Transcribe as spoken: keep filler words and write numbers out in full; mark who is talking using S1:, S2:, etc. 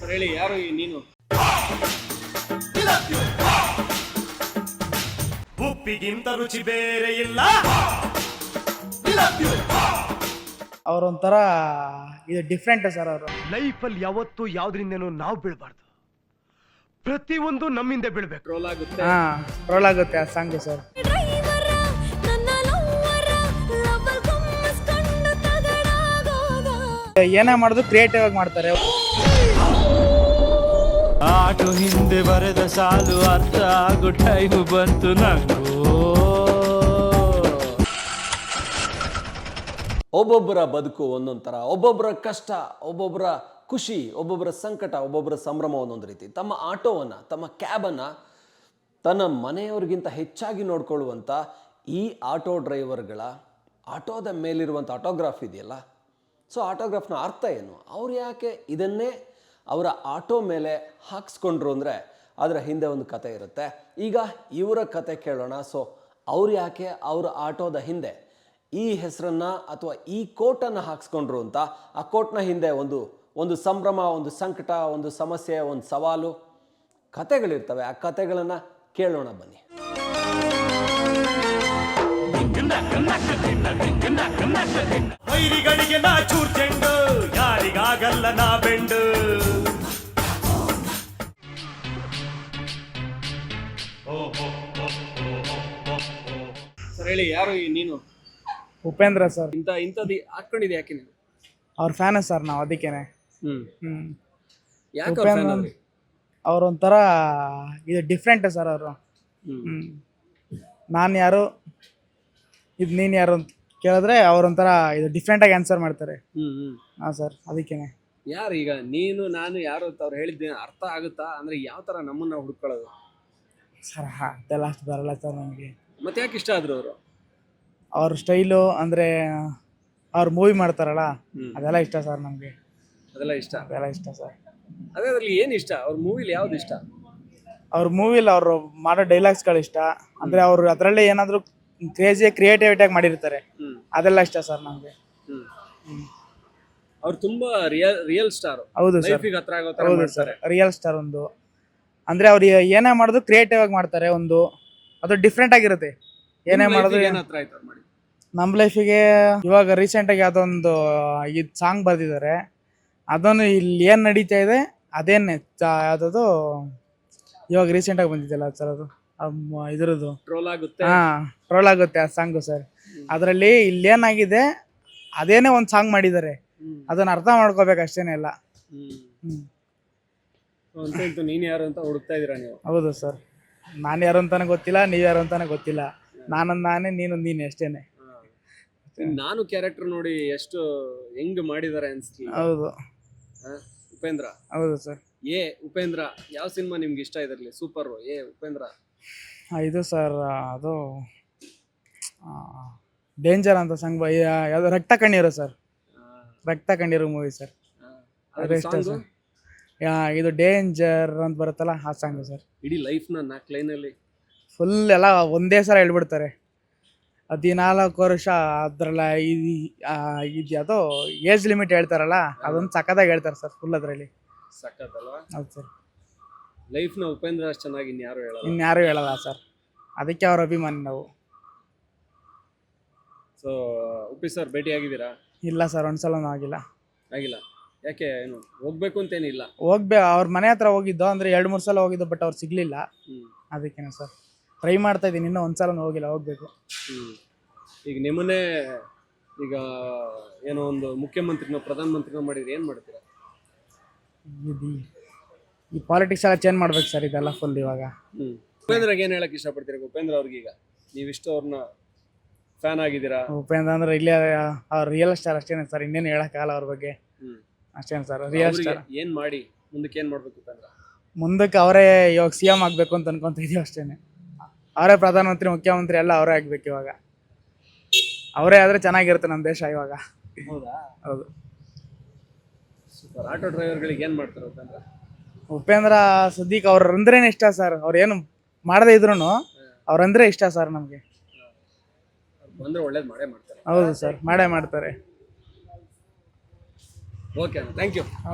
S1: Sir ಹೇಳಿ, ಯಾರು ಈ ನೀನು?
S2: ಉಪ್ಪಿಗಿಂತ ರುಚಿ ಬೇರೆ ಇಲ್ಲ.
S3: ಅವರೊಂಥರ ಇದು ಡಿಫ್ರೆಂಟ್ ಸರ್. ಅವರು
S2: ಲೈಫಲ್ಲಿ ಯಾವತ್ತೂ ಯಾವ್ದ್ರಿಂದನೂ ನಾವು ಬೀಳ್ಬಾರ್ದು, ಪ್ರತಿಯೊಂದು ನಮ್ಮಿಂದ ಬೀಳ್ಬೇಕು.
S1: ಟ್ರೋಲ್ ಆಗುತ್ತೆ.
S3: ಹಾ ಟ್ರೋಲ್ ಆಗುತ್ತೆ ಆ ಸಾಂಗ್ ಸರ್. ಏನೇ ಮಾಡೋದು ಕ್ರಿಯೇಟಿವ್ ಆಗಿ ಮಾಡ್ತಾರೆ.
S4: ಆಟೋ ಹಿಂದೆ ಬರೆದ ಸಾಲು ಅರ್ಥ ಆಗೋ ಟೈಮ್ ಬಂತು ನಂಗೂ.
S5: ಒಬ್ಬೊಬ್ಬರ ಬದುಕು ಒಂದೊಂದು ಥರ, ಒಬ್ಬೊಬ್ಬರ ಕಷ್ಟ, ಒಬ್ಬೊಬ್ಬರ ಖುಷಿ, ಒಬ್ಬೊಬ್ಬರ ಸಂಕಟ, ಒಬ್ಬೊಬ್ಬರ ಸಂಭ್ರಮ ಒಂದೊಂದು ರೀತಿ. ತಮ್ಮ ಆಟೋವನ್ನು, ತಮ್ಮ ಕ್ಯಾಬನ್ನು ತನ್ನ ಮನೆಯವ್ರಿಗಿಂತ ಹೆಚ್ಚಾಗಿ ನೋಡ್ಕೊಳ್ಳುವಂಥ ಈ ಆಟೋ ಡ್ರೈವರ್ಗಳ ಆಟೋದ ಮೇಲಿರುವಂಥ ಆಟೋಗ್ರಾಫ್ ಇದೆಯಲ್ಲ, ಸೊ ಆಟೋಗ್ರಾಫ್ನ ಅರ್ಥ ಏನು, ಅವ್ರು ಯಾಕೆ ಇದನ್ನೇ ಅವರ ಆಟೋ ಮೇಲೆ ಹಾಕ್ಸ್ಕೊಂಡ್ರು ಅಂದರೆ ಅದರ ಹಿಂದೆ ಒಂದು ಕತೆ ಇರುತ್ತೆ. ಈಗ ಇವರ ಕತೆ ಕೇಳೋಣ. ಸೊ ಅವ್ರು ಯಾಕೆ ಅವರ ಆಟೋದ ಹಿಂದೆ ಈ ಹೆಸರನ್ನು ಅಥವಾ ಈ ಕೋಟನ್ನು ಹಾಕ್ಸ್ಕೊಂಡ್ರು ಅಂತ, ಆ ಕೋಟ್ನ ಹಿಂದೆ ಒಂದು ಒಂದು ಸಂಭ್ರಮ, ಒಂದು ಸಂಕಟ, ಒಂದು ಸಮಸ್ಯೆ, ಒಂದು ಸವಾಲು, ಕತೆಗಳಿರ್ತವೆ. ಆ ಕತೆಗಳನ್ನು ಕೇಳೋಣ ಬನ್ನಿ.
S2: ವೈರಿಗಳಿಗೆ ನಾ ಚೂರ್ ಚೆಂಡು, ಯಾರಿಗಾಗಲ್ಲ ನಾ ಬೆಂಡು.
S1: ಸರ್ ಹೇಳಿ, ಯಾರು ಈ ನೀನು?
S3: ಉಪೇಂದ್ರ ಸರ್.
S1: ಇಂಥ ಇಂಥದ್ದು ಹಾಕೊಂಡಿದೆ ಯಾಕೆ ನೀನು?
S3: ಅವ್ರ ಫ್ಯಾನ್ ಸರ್ ನಾವು, ಅದಕ್ಕೇನೆ.
S1: ಹ್ಮ್
S3: ಹ್ಮ್
S1: ಯಾಕೆ
S3: ಉಪೇಂದ್ರ ಅವ್ರೊಂಥರ ಇದು ಡಿಫ್ರೆಂಟ್ ಸರ್. ಅವರು ಹ್ಮ್ ನಾನು ಯಾರು, ಇದು ನೀನು ಯಾರು ಅಂತ ಕೇಳಿದ್ರೆ ಅವ್ರೊಂಥರ ಇದು ಡಿಫ್ರೆಂಟಾಗಿ ಆನ್ಸರ್ ಮಾಡ್ತಾರೆ.
S1: ಹ್ಮ್ ಹ್ಮ್
S3: ಹಾಂ ಸರ್, ಅದಕ್ಕೇನೆ.
S1: ಯಾರು ಈಗ ನೀನು ನಾನು ಯಾರು ಅಂತ ಅವ್ರು ಹೇಳಿದ್ದೇನೆ ಅರ್ಥ ಆಗುತ್ತಾ? ಅಂದ್ರೆ ಯಾವ ತರ ನಮ್ಮನ್ನ ಹುಡ್ಕೊಳ್ಳೋದು
S3: ಸರ್? ಹಾಂ ಅದೆಲ್ಲ ಅಷ್ಟು ಬರಲ್ಲ ಸರ್ ನನಗೆ.
S1: ಮತ್ತೆ ಯಾಕೆ ಇಷ್ಟ ಆದ್ರು ಅವರು?
S3: ಅವ್ರ ಸ್ಟೈಲು ಅಂದರೆ ಅವ್ರು ಮೂವಿ ಮಾಡ್ತಾರಲ್ಲ,
S1: ಹ್ಮ್.
S3: ಅದೆಲ್ಲ ಇಷ್ಟ ಸರ್ ನಮಗೆ.
S1: ಅದೆಲ್ಲ ಇಷ್ಟ.
S3: ಅದೆಲ್ಲ ಇಷ್ಟ ಸರ್.
S1: ಅದೇ ಅದ್ರಲ್ಲಿ ಏನ್ ಇಷ್ಟ? ಅವ್ರ ಮೂವಿಲಿ ಯಾವ್ದು ಇಷ್ಟ?
S3: ಅವ್ರ ಮೂವಿಲಿ ಅವರು ಮಾಡೋ ಡೈಲಾಗ್ಸ್ಗಳು ಇಷ್ಟ. ಅಂದರೆ ಅವರು ಅದರಲ್ಲೇ ಏನಾದರೂ ಕ್ರೇಜಿ ಕ್ರಿಯೇಟಿವಿಟಿಯಾಗಿ ಮಾಡಿರ್ತಾರೆ,
S1: ಹ್ಮ್
S3: ಅದೆಲ್ಲ ಇಷ್ಟ ಸರ್ ನಮಗೆ.
S1: ಹ್ಮ್ ಅವ್ರು ತುಂಬಾ ರಿಯಲ್ ರಿಯಲ್ ಸ್ಟಾರ್.
S3: ಹೌದು ಸರ್,
S1: ಲೈಫಿಗೆ ಹತ್ರ ಆಗೋ ತರ
S3: ಹೌದು ಸರ್,
S1: ಮಾಡ್ತಾರೆ.
S3: Real star. ಒಂದು ಅಂದರೆ ಅವ್ರು ಏನೇ ಮಾಡೋದು ಕ್ರಿಯೇಟಿವ್ ಆಗಿ ಮಾಡ್ತಾರೆ. ಒಂದು ಅದು ಡಿಫ್ರೆಂಟ್ ಆಗಿರುತ್ತೆ. ಏನೇ
S1: ನಿಮ್
S3: ಮಾಡೋದು
S1: life ಗೆ ಏನ್ ಹತ್ರ ಆಯ್ತು ಅವ್ರು ಮಾಡಿ?
S3: ನಮ್ಮ ಲೈಫಿಗೆ ಇವಾಗ ರೀಸೆಂಟಾಗಿ ಯಾವುದೋ ಒಂದು ಇದು ಸಾಂಗ್ ಬರೆದಿದ್ದಾರೆ. ಅದನ್ನು ಇಲ್ಲಿ ಏನು ನಡೀತಾ ಇದೆ ಅದೇನೆ ಯಾವುದದು ಇವಾಗ ರೀಸೆಂಟಾಗಿ ಬಂದಿದ್ದಲ್ಲ ಸರ್, ಅದು ಅಮ್ಮ ಇದ್ರದ್ದು
S1: ಟ್ರೋಲ್ ಆಗುತ್ತೆ.
S3: ಹಾಂ ಟ್ರೋಲ್ ಆಗುತ್ತೆ ಆ ಸಾಂಗು ಸರ್. ಅದರಲ್ಲಿ ಇಲ್ಲೇನಾಗಿದೆ ಅದೇನೇ ಒಂದು ಸಾಂಗ್ ಮಾಡಿದ್ದಾರೆ,
S1: ಹ್ಮ್
S3: ಅದನ್ನು ಅರ್ಥ ಮಾಡ್ಕೋಬೇಕು ಅಷ್ಟೇನೆ ಎಲ್ಲ.
S1: ಹ್ಮ್
S3: ಹ್ಞೂ
S1: ಅಂತ ಇಂತ ನೀನ್ ಯಾರು ಅಂತ ಹುಡುಕ್ತಾ ಇದೀರಾ ನೀವು?
S3: ಹೌದು ಸರ್. ನಾನು ಯಾರು ಅಂತಾನೆ ಗೊತ್ತಿಲ್ಲ, ನೀವು ಯಾರು ಅಂತಾನೆ ಗೊತ್ತಿಲ್ಲ. ನಾನೊಂದು ನಾನೇ, ನೀನೊಂದು ನೀನು ಅಷ್ಟೇನೆ.
S1: ನಾನು ಕ್ಯಾರೆಕ್ಟರ್ ನೋಡಿ ಎಷ್ಟು ಹೆಂಗ್ ಮಾಡಿದ್ದಾರೆ ಅನ್ಸ್ತಿ.
S3: ಹೌದು
S1: ಉಪೇಂದ್ರ.
S3: ಹೌದು ಸರ್.
S1: ಏ ಉಪೇಂದ್ರ ಯಾವ ಸಿನಿಮಾ ನಿಮ್ಗೆ ಇಷ್ಟ ಇದರಲ್ಲಿ? ಸೂಪರ್ ಏ ಉಪೇಂದ್ರ.
S3: ಇದು ಸರ್ ಅದು ಡೇಂಜರ್ ಅಂತ ಸಂಗ್ ಯಾವುದು ರಕ್ತ ಕಣ್ಣೀರು ಸರ್. ರಕ್ತ ಕಣ್ಣೀರು ಮೂವಿ ಸರ್, ಅದು ಇಷ್ಟ ಸರ್. ಇದು ಡೇಂಜರ್ ಅಂತ ಬರುತ್ತಲ್ಲ ಆ ಸಾಂಗು ಸರ್.
S1: ಇಡೀ ಲೈಫ್ ನ ನಾಲ್ಕು ಲೈನ್ ಅಲ್ಲಿ
S3: ಫುಲ್ ಎಲ್ಲ ಒಂದೇ ಸಲ ಹೇಳ್ಬಿಡ್ತಾರೆ. ಹದಿನಾಲ್ಕು ವರ್ಷ ಅದ್ರಲ್ಲ ಇದು ಯಾವುದೋ ಏಜ್ ಲಿಮಿಟ್ ಹೇಳ್ತಾರಲ್ಲ, ಅದೊಂದು ಸಖತ್ತಾಗಿ ಹೇಳ್ತಾರೆ ಸರ್ ಫುಲ್ ಅದರಲ್ಲಿ.
S1: ಸಖತ್ತಲ್ವಾ?
S3: ಹೌದು ಸರ್.
S1: ಲೈಫ್ ನ ಉಪೇಂದ್ರ ಅಷ್ಟು ಚೆನ್ನಾಗಿ ಇನ್ಯಾರು ಹೇಳಲ್ಲ.
S3: ಇನ್ಯಾರು ಹೇಳಲ್ಲ ಸರ್, ಅದಕ್ಕೆ ಅವ್ರ ಅಭಿಮಾನಿ ನಾವು.
S1: ಸೊ ಉಪ್ಪಿ ಸರ್ ಭೇಟಿ ಆಗಿದ್ದೀರಾ?
S3: ಇಲ್ಲ ಸರ್, ಒಂದ್ಸಲನೂ ಆಗಿಲ್ಲ.
S1: ಆಗಿಲ್ಲ? ಯಾಕೆ? ಏನು ಹೋಗ್ಬೇಕು ಅಂತೇನಿಲ್ಲ?
S3: ಹೋಗ್ಬೇ ಅವ್ರ ಮನೆ ಹತ್ರ ಹೋಗಿದ್ದು, ಅಂದರೆ ಎರಡು ಮೂರು ಸಲ ಹೋಗಿದ್ದು, ಬಟ್ ಅವ್ರು ಸಿಗಲಿಲ್ಲ.
S1: ಹ್ಮ್
S3: ಅದಕ್ಕೇನೆ ಸರ್ ಟ್ರೈ ಮಾಡ್ತಾ ಇದ್ದೀನಿ, ಇನ್ನೂ ಒಂದ್ಸಲ ಹೋಗಿಲ್ಲ, ಹೋಗ್ಬೇಕು.
S1: ಹ್ಮ್ ಈಗ ನಿಮ್ಮನ್ನೇ ಈಗ ಏನೋ ಒಂದು ಮುಖ್ಯಮಂತ್ರಿನೋ ಪ್ರಧಾನಮಂತ್ರಿನೋ ಮಾಡಿದ್ರೆ ಏನ್ ಮಾಡ್ತೀರಾ?
S3: ಇದು ಈ ಪಾಲಿಟಿಕ್ಸ್ ಎಲ್ಲ ಚೇಂಜ್ ಮಾಡ್ಬೇಕು ಸರ್, ಇದೆಲ್ಲ ಫುಲ್ ಇವಾಗ.
S1: ಹ್ಮ್ ಉಪೇಂದ್ರಗೆ ಏನ್ ಹೇಳಕ್ ಇಷ್ಟಪಡ್ತೀರಾ? ಉಪೇಂದ್ರ ಅವ್ರಿಗೀಗ ನೀವಿಷ್ಟು ಅವ್ರನ್ನ ಫ್ಯಾನ್ ಆಗಿದ್ದೀರಾ.
S3: ಉಪೇಂದ್ರ ಅಂದ್ರೆ ಇಲ್ಲೇ ಅವ್ರ ರಿಯಲ್ ಸ್ಟಾರ್ ಅಷ್ಟೇನೆ ಸರ್, ಇನ್ನೇನು ಹೇಳಕ್ಕಾಗಲ್ಲ ಅವ್ರ ಬಗ್ಗೆ.
S1: ಹ್ಮ್
S3: ಅಷ್ಟೇನೆ ಸರ್, ರಿಯಲ್
S1: ಅವ್ರಿಗೆ
S3: ಸ್ಟಾರ್.
S1: ಏನ್ ಮಾಡಿ ಮುಂದಕ್ಕೆ ಏನ್ ಮಾಡ್ಬೇಕು ಉಪೇಂದ್ರ?
S3: ಮುಂದಕ್ಕೆ ಅವರೇ ಇವಾಗ ಸಿ ಎಂ ಆಗಬೇಕು ಅಂತ ಅನ್ಕೊಂತ ಇದೀವಿ ಅಷ್ಟೇನೆ. ಅವರೇ ಪ್ರಧಾನಮಂತ್ರಿ, ಮುಖ್ಯಮಂತ್ರಿ ಎಲ್ಲ ಅವರೇ ಆಗ್ಬೇಕು ಇವಾಗ. ಅವರೇ ಆದ್ರೆ ಚೆನ್ನಾಗಿರುತ್ತೆ ನಮ್ಮ ದೇಶ ಇವಾಗ.
S1: ಹೌದಾ?
S3: ಹೌದು.
S1: ಸೂಪರ್. ಆಟೋ ಡ್ರೈವರ್ಗಳಿಗೆ ಏನ್ ಮಾಡ್ತಾರೆ ಉಪೇಂದ್ರ?
S3: ಉಪೇಂದ್ರ ಸದ್ಯಕ್ಕೆ ಅವ್ರ ಅಂದ್ರೇನೆ ಇಷ್ಟ ಸರ್. ಅವ್ರು ಏನು ಮಾಡದೇ ಇದ್ರು ಅವ್ರಂದ್ರೆ ಇಷ್ಟ ಸರ್ ನಮಗೆ.
S1: ಬಂದ್ರೆ ಒಳ್ಳೇದು ಮಾಡೇ ಮಾಡ್ತಾರೆ.
S3: ಹೌದು ಸರ್, ಮಾಡೇ ಮಾಡ್ತಾರೆ.
S1: Okay, thank you.